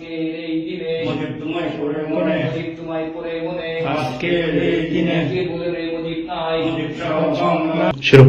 আজকের এই দিনে মুজিব তোমায় পড়ে মনে, মুজিব তোমায় পড়ে মনে, আজকের এই দিনে কে বলে রে মুজিব নাই, মুজিব সহ বাংলা। শুরু।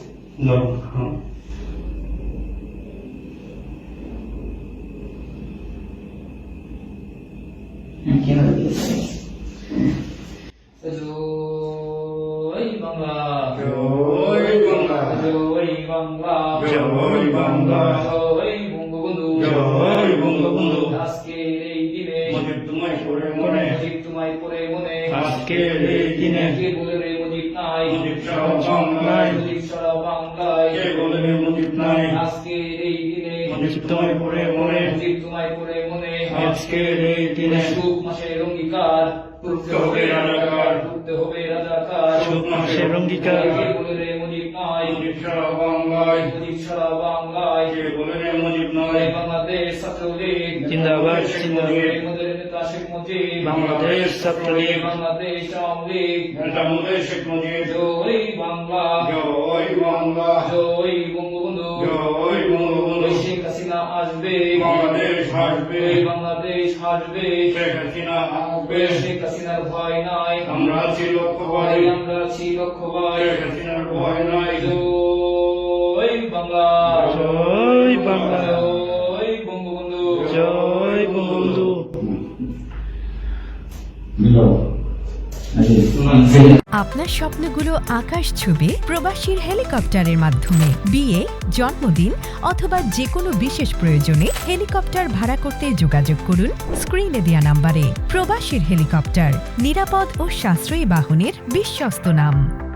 জয় বাংলা, জয় বাংলা, জয় বাংলা, জয় বাংলা, জয় বঙ্গবন্ধু, জয় বঙ্গবন্ধু। আজকের এই দিনে মুজিব তোমায় পড়ে মনে, মুজিব তোমায় পড়ে মনে, আজকের এই দিনে কে বলে রে মুজিব নাই, মুজিব সহ বাংলায়, মুজিব সারা বাংলায়, কে বলে রে মুজিব নাই। আজকের এই দিনে মুজিব তোমায় পড়ে মনে, মুজিব তোমায় পড়ে মনে, আজকের এই দিনে সুখ মাসের অঙ্গীকার করতে হবে রাজাকার, করতে হবে রাজাকার, সুখ মাসের অঙ্গীকার, কে বলে রে মুজিব নাই, মুজিব সহ বাংলায়, মুজিব সারা বাংলায়, কে বলে রে মুজিব নাই। বাংলাদেশ ছাত্রলীগ জিন্দাবাদ, জিন্দাবাদ। আমাদের নেতা শেখ মুজিব, বাংলাদেশ ছাত্রলীগ, বাংলাদেশ আওয়ামী লীগ, নেতা মুজিব শেখ মুজিব, জয় বাংলা, জয় বাংলা, জয় বঙ্গবন্ধু, জয় বঙ্গবন্ধু। শেখ হাসিনা আসবে, বাংলাদেশ হাসবে, বাংলাদেশ হাসবে, শেখ হাসিনা আসবে। শেখ হাসিনার ভয় নাই, আমরা আছি লক্ষ্যবাই, আমরা আছি লক্ষ্যবাই, শেখ হাসিনার ভয় নাই। জয় বাংলা, জয় বাংলা, জয় বঙ্গবন্ধু, জয় বঙ্গবন্ধু। আপনার স্বপ্নগুলো আকাশ ছুবে প্রবাসীর হেলিকপ্টারের মাধ্যমে। বিয়ে, জন্মদিন অথবা যে কোনো বিশেষ প্রয়োজনে হেলিকপ্টার ভাড়া করতে যোগাযোগ করুন স্ক্রিনে দেয়া নাম্বারে। প্রবাসীর হেলিকপ্টার, নিরাপদ ও সাশ্রয়ী বাহনের বিশ্বস্ত নাম।